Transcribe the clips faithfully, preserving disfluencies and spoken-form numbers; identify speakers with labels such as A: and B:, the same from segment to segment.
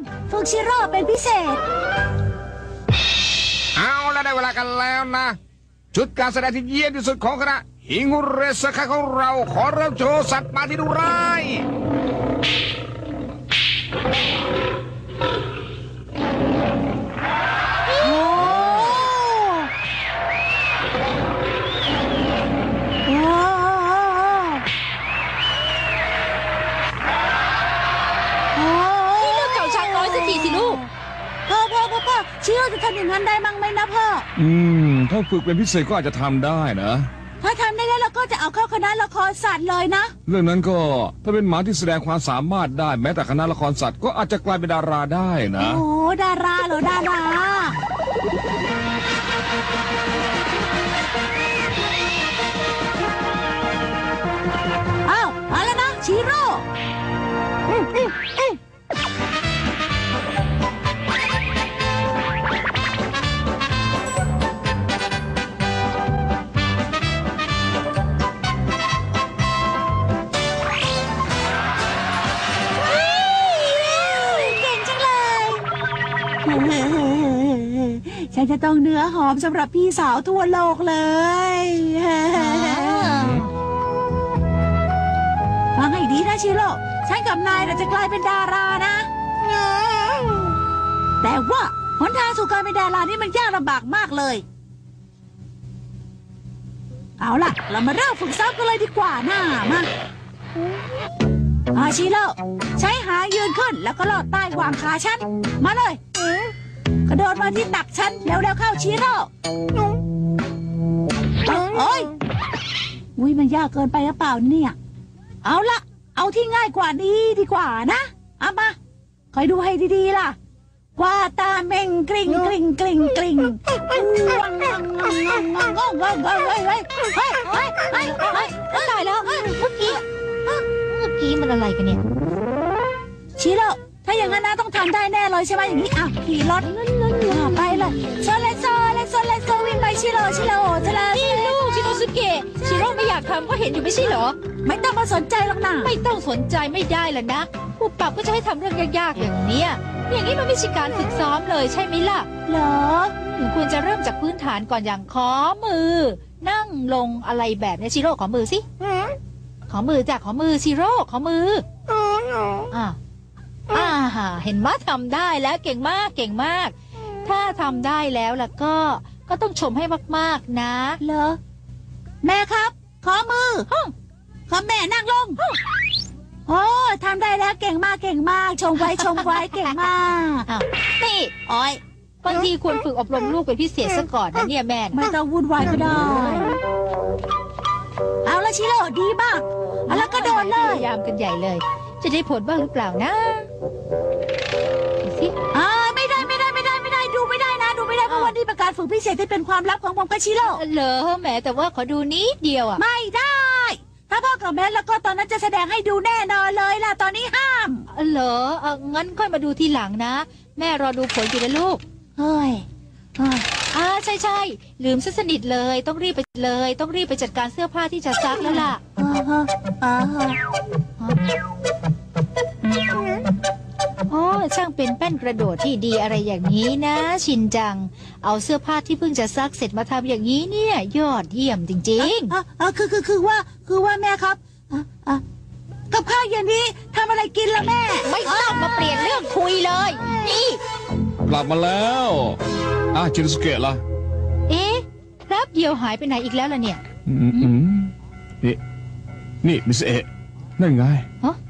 A: ฝึกชิโร่เป็นพิเศษ
B: เอาแล้วได้เวลากันแล้วนะชุดการแสดงที่เยี่ยมที่สุดของคณะฮิงุเรสคาของเราขอเริ่มโชว์สัตว์มาที่ดุร้าย
A: ชิโร่จะทำอย่างนั้นได้มั้งไหมนะพ่อ
C: อืมถ้าฝึกเป็นพิเศษก็อาจจะทำได้นะ
A: ถ้าทำได้แล้วเราก็จะเอาเข้าคณะละครสัตว์เลยนะ
C: เรื่องนั้นก็ถ้าเป็นหมาที่แสดงความสามารถได้แม้แต่คณะละครสัตว์ก็อาจจะกลายเป็นดาราได้นะ
A: โอ้ดาราเหรอดาราอ้าวมาแล้วนะชิโร่อืมอืมอืมฉันจะต้องเนื้อหอมสำหรับพี่สาวทั่วโลกเลยฟังให้ดีนะชิโร่ฉันกับนายเราจะกลายเป็นดารานะแต่ว่าหนทางสู่การเป็นดารานี่มันยากลำบากมากเลยเอาล่ะเรามาเริ่มฝึกซ้อมกันเลยดีกว่านะมาอาชิโร่ใช้หายืนขึ้นแล้วก็ลอดใต้วางขาฉันมาเลยกระโดดมาที่ตักฉันแล้วแล้วเข้าชิโร่โอ้ยอุ้ยมันยากเกินไปหรือเปล่าเนี่ยเอาละเอาที่ง่ายกว่านี้ดีกว่านะเอามาคอยดูให้ดีๆล่ะว่าตาเม่งกริ่งกริ่งกริ่งกริ่งวังวังวังวังวังวังวังวังวังเฮ้ยเฮ้ยเฮ้ยเฮ้ยเฮ้ยตายแล้วเมื่อกี้เมื่อกี้มันอะไรกันเนี่ยชิโร่ถ้าอย่างนั้นนะต้องทำได้แน่เลยใช่ไหมอย่างนี้อ่ะขี่รถไปเลยโซเลโซเลโซเลโซวิ่งไปชิโร่ชิโร่ชิโร่
D: นี่ลูกชิโนสุเกะชิโร่ไม่อยากทำก็เห็นอยู่ไม่ใช่เหรอ
A: ไม่ต้องมาสนใจหรอกนะ
D: ไม่ต้องสนใจไม่ได้ล่ะนะผู้ปรับก็จะให้ทำเรื่องยากๆอย่างเนี้ยอย่างนี้มันไม่ใช่การฝึกซ้อมเลยใช่ไหมล่ะ
A: เหรอ
D: ควรจะเริ่มจากพื้นฐานก่อนอย่างขอมือนั่งลงอะไรแบบนี้ชิโร่ขอมือสิขอมือจากขอมือชิโร่ขอมืออ่าอ่าเห็นมั้ยทำได้แล้วเก่งมากเก่งมากถ้าทำได้แล้วล่ะก็ก็ต้องชมให้มากๆนะ
A: เหรอแม่ครับขอมือขอแม่นั่งลงโอ้ทำได้แล้วเก่งมากเก่งมากชมไว้ชมไว้เก่งมาก
D: นี่อ้อยบางทีควรฝึกอบรมลูกเป็นพิเศษซะก่อนนะเนี่ยแม่
A: ไม่ต้องวุ่นวายก็ได้เอาละชิโร่ดีมากเอาละก็โดนเลย
D: พยายามกันใหญ่เลยจะได้ผลบ้างหรือเปล่านะดูสิ
A: อ่าไม่ได้ไม่ได้ไม่ได้ไม่ได้ดูไม่ได้นะดูไม่ได้เพราะวันนี้เป็นการฝึกพิเศษที่เป็นความลับของผมกับชิโร่
D: เหรอแหมแต่ว่าขอดูนิดเดียวอ่ะ
A: ไม่ได้ถ้าพ่อกับแม่แล้วก็ตอนนั้นจะแสดงให้ดูแน่นอนเลยล่ะตอนนี้ห้าม
D: เหรอเอองั้นค่อยมาดูทีหลังนะแม่รอดูผลอยู่นะลูก
A: เฮ้ย
D: อ่าใช่ใช่ลืมซะสนิทเลยต้องรีบไปเลยต้องรีบไปจัดการเสื้อผ้าที่จะซักแล้วล่ะโอ้ช่างเป็นแป้นกระโดดที่ดีอะไรอย่างนี้นะชินจังเอาเสื้อผ้าที่เพิ่งจะซักเสร็จมาทำอย่างนี้เนี่ยยอดเยี่ยมจริง
A: ๆอ่าคือคือคือว่าคือว่าแม่ครับอ่ากับข้าวเย็นนี้ทำอะไรกินล่ะแม่
D: ไม่ต้องมาเปลี่ยนเรื่องคุยเลยนี่
C: กลับมาแล้วอ่ะชินสุเกะล่ะ
D: เอ๊ะครับเดียวหายไปไหนอีกแล้วล่ะเนี่ย
C: อืมอืมนี่นี่มิสเอะนั่นไง
D: ฮะ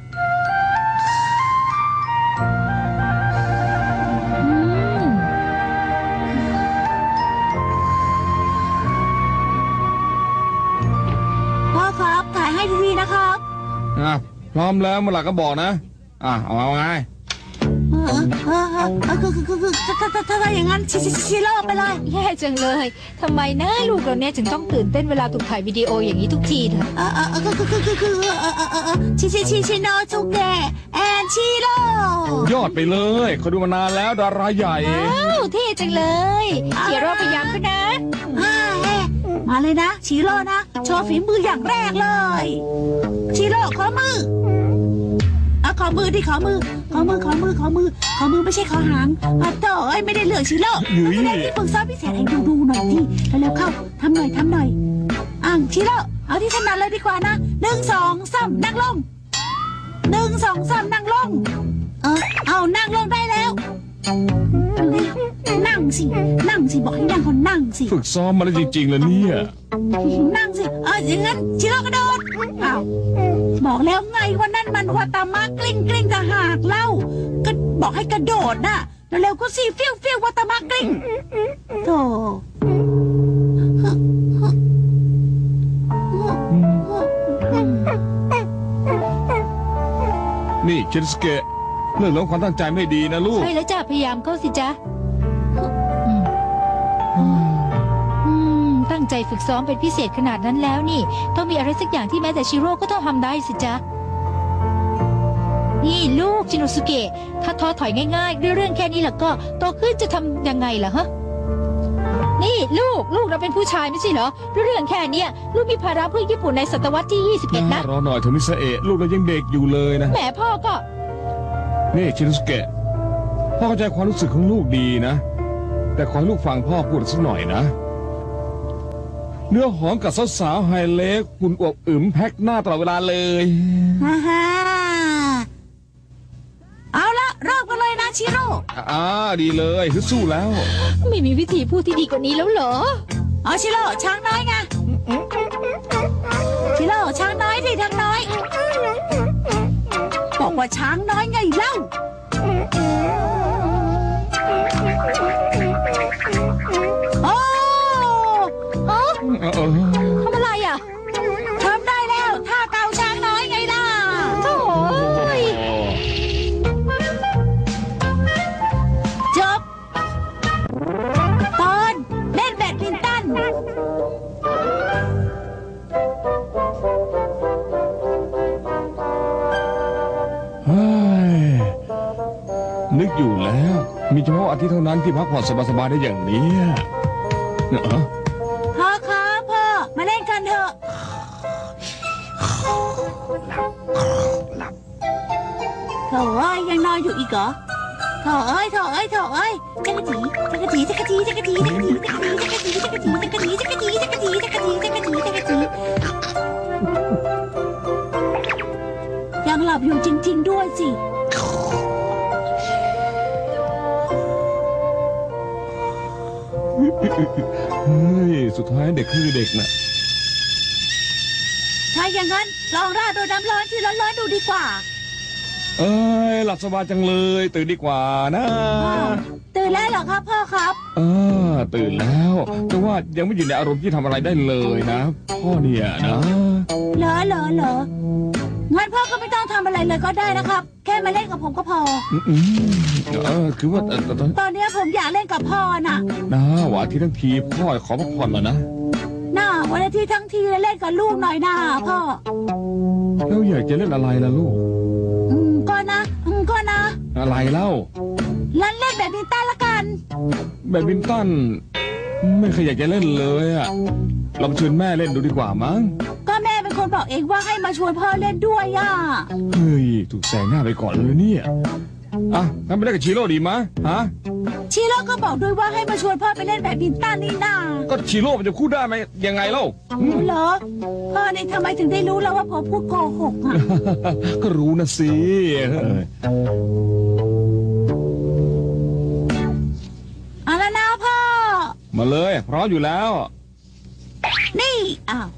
A: พ่อครับถ่ายให้ดีๆนะครับ
C: อ่ะพร้อมแล้วเมื่อไหร่ก็บอกนะอ่ะเอาไง
A: คือคือคือคือถ้าถ้าถ้าอย่างนั้นชิชิโร่ไปเลย
D: แย่จังเลยทำไมนะลูกเราเนี่ยถึงต้องตื่นเต้นเวลาถูกถ่ายวิดีโออย่างนี้ทุกทีเถอะ
A: เออเออคือคือคือคือเออเออเออชิชิชิชิโนจุเกะแอนชิโร่
C: ยอดไปเลยเขาดูมานานแล้วดาราใหญ่
D: ว้าวเท่จังเลยชิโร่พยายามขึ้นนะ
A: มาเลยนะชิโร่นะโชว์ฝีมืออย่างแรกเลยชิโร่ขอมือโอขอมือดิขอมือ ขอมือขอมือขอมือ ขอมือไม่ใช่ขอหางอ่ะโถ่เอ้ยไม่ได้เลือกชิโร่แสดงที่ฝึกซ้อมพิเศษให้ดูดูหน่อยดิเร็วๆเข้าทำหน่อยทำหน่อยอ่ะชิโร่เอาที่ถนัดเลยดีกว่านะหนึ่งสองสามนั่งลงหนึ่งสองสามนั่งลงเออเอานั่งลงได้แล้วนั่งสินั่งสิบอกให้นั่งคนนั่งสิ
C: ฝึกซ้อมมาแล้วจริงๆแล้วเนี่ย
A: นั่งสิเอออย่างนั้นชิโร่กระโดดอ้าวบอกแล้วไงว่านั่นมันวัตามะกลิ้งกลิ้งจะหากเล่าก็บอกให้กระโดดน่ะเร็วๆก็สิฟิวฟิววัตามะกลิ้งโธ่
C: นี่เชนสเกะเรื่องของความตั้งใจไม่ดีนะลูก
D: ใช่แล้วจ้ะพยายามเข้าสิจ๊ะอืมอืมตั้งใจฝึกซ้อมเป็นพิเศษขนาดนั้นแล้วนี่ ต้องมีอะไรสักอย่างที่แม้แต่ชิโร่ก็ต้องทำได้สิจ๊ะนี่ลูกชินโนสุเกะถ้าท้อถอยง่ายๆด้วยเรื่องแค่นี้แล้วก็โตขึ้นจะทำยังไงล่ะฮะนี่ลูกลูกเราเป็นผู้ชายไม่ใช่เหรอด้วยเรื่องแค่เนี้ยลูกมีภาระเพื่อญี่ปุ่นในศตวรรษที่ยี่สิบเอ็ดนะ
C: รอหน่อยเถอะมิสเอะลูกเรายังเด็กอยู่เลยนะ
D: แหมพ่อก็
C: นี่ชินสเกะพ่อเข้าใจความรู้สึกของลูกดีนะ แต่ขอให้ลูกฟังพ่อพูดสักหน่อยนะ เนื้อหอมกับสาวๆไฮเล็กคุณอวบอึมแพ็คหน้าตลอดเวลาเลย
A: ฮ่าฮ่าเอาละเริ่มกันเลยนะชิโร่
C: อ่าดีเลยฮึดสู้แล้ว
D: ไม่มีวิธีพูดที่ดีกว่านี้แล้วเหรอ
A: เอาชิโร่ช้างน้อยไงชิโร่ช้างน้อยที่ทางน้อยบอกว่าช้างน้อยไงเล่าโอ้โอ้
C: เออเออ
D: ทำอะไรอ่ะ
A: ทำได้แล้วท่าเกาช้างน้อยไงล่ะ
D: โถ่ย
A: จบตอนเล่นแบดมินตัน
C: เฮ้ยนึกอยู่แล้ว มีเฉพาะอาทิตย์เท่านั้นที่พักผ่อนสบายๆได้อย่างนี้เนอะ
A: พ่อครับพ่อมาเล่นกันเถอะโถ่เอ้ยยังนอนอยู่อีกเหรอโถ่เอ้ยโถ่เอ้ยโถ่เอ้ยจักรจีจักรจีจักรจีจักรจีจักรจีจักรจีจักรจีจักรจีจักรจีจักรจีจักรจีจักรจีจักรจีจักรจีจักรจียังหลับอยู่จริงๆด้วยสิ
C: เฮ้ยสุดท้ายเด็กคือเด็กน่ะ
A: ถ้าอย่างนั้นลองราดโดยน้ำร้อนที่ร้อนๆดูดีกว่า
C: เอ้ยหลับสบายจังเลยตื่นดีกว่านะ
A: อ้าวตื่นแล้วเหรอครับพ่อครับ
C: เออตื่นแล้วแต่ว่ายังไม่อยู่ในอารมณ์ที่ทำอะไรได้เลยนะพ่อเนี่ยนะ
A: เหรอเหรอเหรองั้นพ่อก็ไม่ต้องทำอะไรเลยก็ได้นะครับ แค่มาเล่นกับผมก็พอ
C: อืมอืมเออคือว่าเออตอน
A: ตอนนี้ผมอยากเล่นกับพ่อน่ะ
C: นะหวานที่ทั้งทีพ่อขอพักผ่อนหน่อยนะ
A: น่าวันอาทิตย์ทั้งทีเล่นกับลูกหน่อยนะพ่อ
C: แล้วอยากจะเล่นอะไรล่ะลูก
A: อืมก็นะอืมก็นะ
C: อะไรเล่า
A: เล่นเล่นแบบมินตันละกัน
C: แบดมินตันไม่เคยอยากจะเล่นเลยอะลองชวนแม่เล่นดูดีกว่ามั้ง
A: ก็แม่เป็นคนบอกเองว่าให้มาชวนพ่อเล่นด้วยอ่ะ
C: เฮ้ยถูกแซงหน้าไปก่อนเลยเนี่ยอ่ะงั้นไปเล่นกับชิโร่ดีมะฮะ
A: ชิโร่ก็บอกด้วยว่าให้มาชวนพ่อไปเล่นแบบมินตันนี่นา
C: ก็ชิโร่มันจะพูดได้ไหมยังไงเล่าอืม
A: เหรอพ่อนี่ทำไมถึงได้รู้แล้วว่าผมพูดโกหกอ่ะ
C: ก็รู้นะสิเออ
A: เอาละนะพ่อ
C: มาเลยพร้อมอยู่แล้ว
A: นี่อ้าว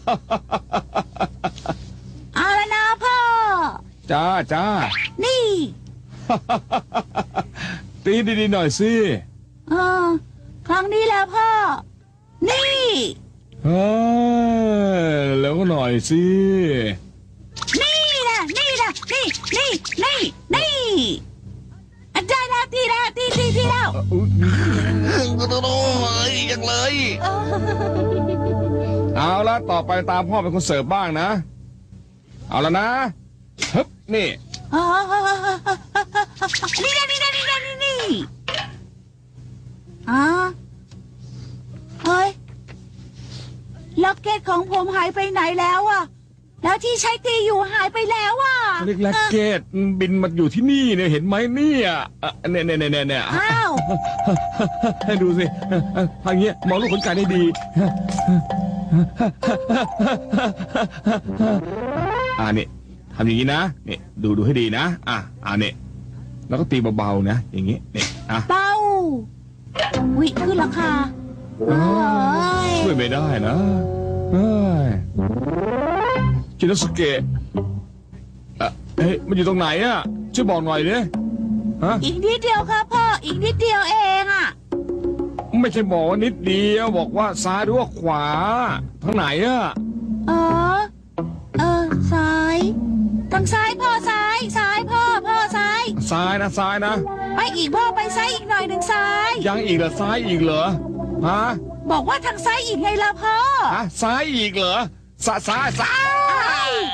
A: เอาละนะพ่อ
C: จ้าจ้า
A: นี่
C: ตีดีๆหน่อยสิ
A: เออครั้งนี้แหละพ่อ นี่
C: เฮ้ยแล้วก็หน่อยสิ
A: นี่นะนี่นะนี่นี่นี่นี่อ่ะได้แล้วตีแล้วตีตีตีแล้ว
B: โอ้ยยังเลย
C: เอาละต่อไปตามพ่อเป็นคนเสิร์ฟบ้างนะ เอาละนะฮึบนี่
A: อ๋อนี่นะนี่นะนี่นะนี่นี่อ๋อเฮ้ยล็อกเก็ตของผมหายไปไหนแล้วอะแล้วแล้วที่ใช้ตีอยู่หายไปแล้วอ่ะ
C: เล็กแล็กเกตบินมาอยู่ที่นี่เนี่ยเห็นไหมเนี่ยอ่ะเนี่ยเนี่ยเนี่ยเนี่ย
A: อ้าว
C: ให้ดูสิทางเงี้ยมองลูกขนไก่ได้ดีอ่านี่ทำอย่างนี้นะนี่ดูดูให้ดีนะอ่ะอ่านี่แล้วก็ตีเบาๆนะอย่างนี้นี่อ่ะ
A: เป้าวิขึ้นราคาเอ้ย
C: ช่วยไม่ได้นะเฮ้ยชินโนสุเกะเอ่อเฮ้ยมันอยู่ตรงไหนอ่ะช่วยบอกหน่อยดิฮะ
A: อีกนิดเดียวครับพ่ออีกนิดเดียวเองอ่ะ
C: ไม่ใช่บอกว่านิดเดียวบอกว่าซ้ายหรือว่าขวาทางไหนอ่ะ
A: เออเออซ้ายทางซ้ายพ่อซ้ายซ้ายพ่อพ่อซ้าย
C: ซ้ายนะซ้ายนะ
A: ไปอีกพ่อไปซ้ายอีกหน่อยหนึ่งซ้าย
C: ยังอีกเหรอซ้ายอีกเหรอฮะ
A: บอกว่าทางซ้ายอีกไงล่ะพ่อ
C: ฮะซ้ายอีกเหรอซ้ายซ้ายซ้าย